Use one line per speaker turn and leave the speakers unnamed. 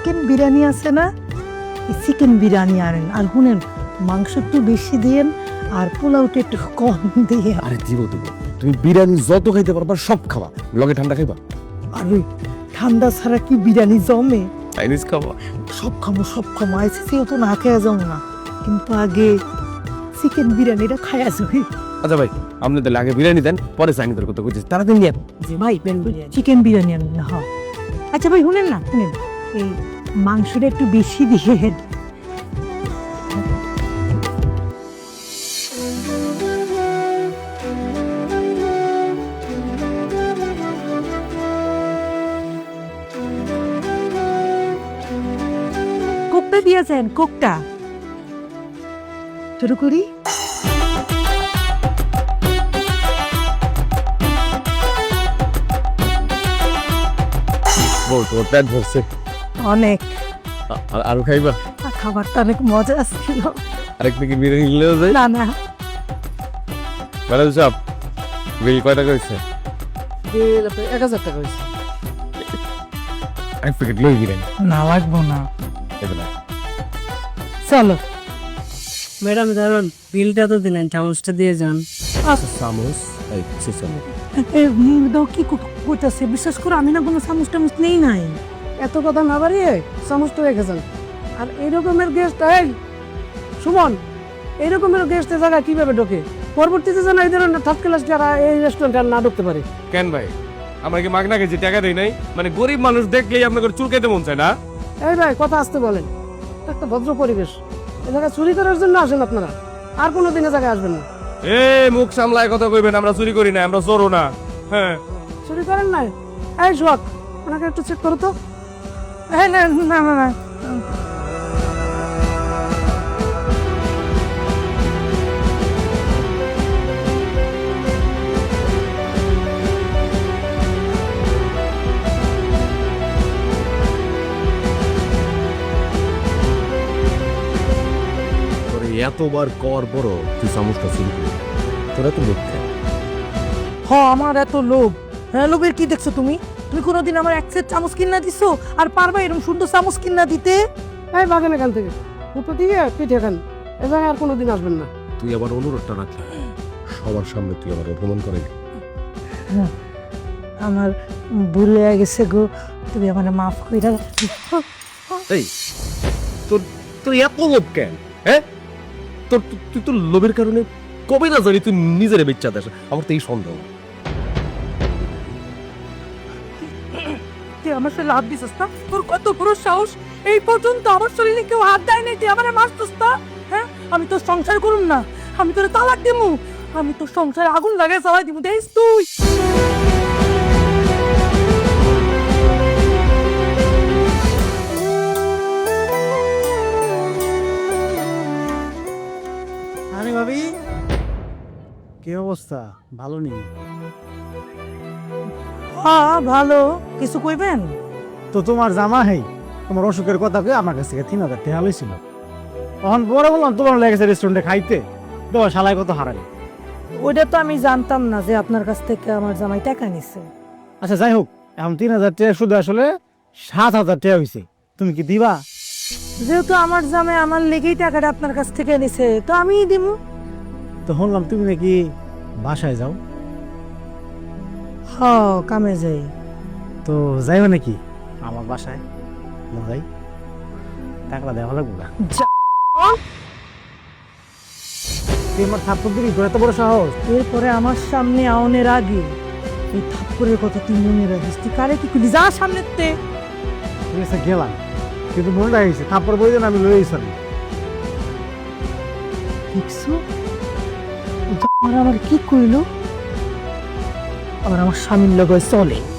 Chicken biryani আছে না, এই চিকেন বিরিয়ানি আনেন। আর শুনেন, মাংস একটু বেশি দিয়েন আর পোলাওটা একটু কম দিয়ে।
আরে দিব দিব, তুমি বিরিয়ানি যত খাইতে পারবা সব খাবা, লগে ঠান্ডা খাইবা।
আর ওই ঠান্ডা ছাড়া কি বিরিয়ানি জমে?
চাইনিজ খাবা।
সব খাবো সব খাবো, আইসিসিও তো না খেয়ে যাও না, কিন্তু আগে চিকেন বিরিয়ানিটা খাইয়া যাবি।
আচ্ছা ভাই, আপনি তাহলে আগে বিরিয়ানি দেন, পরে চাইনিজের কথা কইছি, তাড়াতাড়ি নিয়ে
যে ভাই চিকেন বিরিয়ানি আনেন না। হ্যাঁ আচ্ছা ভাই শুনেন না, শুনেন এই মাংসটা একটু বেশি দিয়ে। কোকটা দিয়েছেন, কোকটা শুরু করি।
বল, তোমার পেট ভরছে?
অনেক।
আরো খাইবা?
খাবারটা অনেক মজা ছিল।
আরেক প্যাকেট বিরিয়ানি নিলেও যায়।
না না,
ম্যাডাম সাহেব, বিল কয় টাকা হয়েছে?
1000 টাকা হয়েছে।
এক প্যাকেট লই বিরিয়ানি।
না লাগবো না,
এগুলা
চলো।
ম্যাডাম ধরুন বিলটা তো দিলেন, চামচটা দিয়ে যান।
চামচ, এই সে চামচ।
দাও কি করতেছে, বিশ্বাস করো আমি না কোনো চামচ টামচ নেই নাই।
এত কথা না বাড়িয়ে চামচটা রেখেছেন। আর এইরকমের গেস্ট, এই সুমন, এইরকমের গেস্টের জায়গা কিভাবে ঢোকে? পরবর্তীতে যেন এই ধরনের থার্ড ক্লাস যারা এই রেস্টুরেন্টে আর না ঢুকতে পারে।
কেন ভাই, আমরা কি মাগনা গেছি, টাকা দেই নাই? মানে গরিব মানুষ দেখলেই আপনাদের চুল খেতে মন চায় না?
এই ভাই কথা আসতে বলেন, একটা ভদ্র পরিবেশ। এই জায়গায় চুরি করার জন্য আসেন আপনারা, আর কোনো দিনে জায়গায় আসবেন না।
এ মুখ সামলায় কথা কইবেন, আমরা চুরি করি না, আমরা চোরও না। হ্যাঁ,
চুরি করেন নাই? এই সোহাগ, ওনাকে একটু চেক করো তো।
না না না না,
তোর এতবার কর বড়, তুই চামচটা চুরি করি, তোরা তো লোক খায়।
আমার এত লোভ। হ্যাঁ, লোভের কি দেখছো তুমি? তুমি কোনোদিন আমার এক সেট চামচ কিনা দিছো? আর পারবা এরকম সুন্দর চামচ কিনা দিতে?
এই বাগান এখান থেকে উপর দিয়ে পিঠে খান, এ জায়গায় আর কোনোদিন আসবেন না।
তুই আবার অনুরোধটা রাখলি, সবার সামনে তুই আবার অপমান করে।
আমার ভুল হয়ে গেছে গো, তুমি আমার মাফ কইরা।
এই তোর তোর এত লোভ কেন? হ্যাঁ, তোর তুই তো লোভের কারণে কবে না জানি তুই নিজের বেচ্চা দেশ। আমার তো এই সন্দেহ।
তুই আমার সাথে লাভ দিছিস না? তোর কত বড় সাহস! এই পর্যন্ত আমার শরীরে কেউ হাত দেয় নাই, তুই আমার মারছিস না? হ্যাঁ, আমি তোর সংসার করুম না, আমি তোর তালাক দিমু, আমি তোর সংসারে আগুন লাগাই জ্বালাই দিমু, দেখিস তুই।
আরে ভাবি, কি অবস্থা? ভালো নেই
হ্যাঁ ভালো, কিছু কইবেন?
তো তোমার জামা হেই তোমার অসুখের কথা কয়ে আমার কাছ থেকে 3000 টাকা লইছিল। তখন পরে বললাম তোমার লেগেছে রেস্টুরেন্টে খাইতে, তোমার শালায় কত হারালি।
ওইটা তো আমি জানতাম না যে আপনার কাছ থেকে আমার জামাই টাকা নিছে।
আচ্ছা যাই হোক, এখন 3000 টাকা শুধু আসলে 7000 টাকা হয়েছে, তুমি কি দিবা?
যেহেতু আমার জামাই আমার লেগেই টাকাটা আপনার কাছ থেকে নিছে, তো আমিই দিমু।
তো শুনলাম তুমি নাকি বাসায় যাও,
হ, কামে যাই।
তো যাইও নাকি আমার বাসায়? যাই, টাকাটা দেওয়া লাগবো না। তুই আমার থাপ্পড় দিবি, তোর এত বড় সাহস?
এরপরে আমার সামনে আওনের আগে এই থাপ্পড়ের কথা তুই মনে রাখিস। তুই কারে কি করলি? যা সামনে তে।
ঠিক আছে গেলাম, কিন্তু মনে রাখিস থাপ্পড় বই দেন আমি লই আইসাম।
দেখছো, আমার কি কইলো? আবার আমার স্বামীর লগে চলে।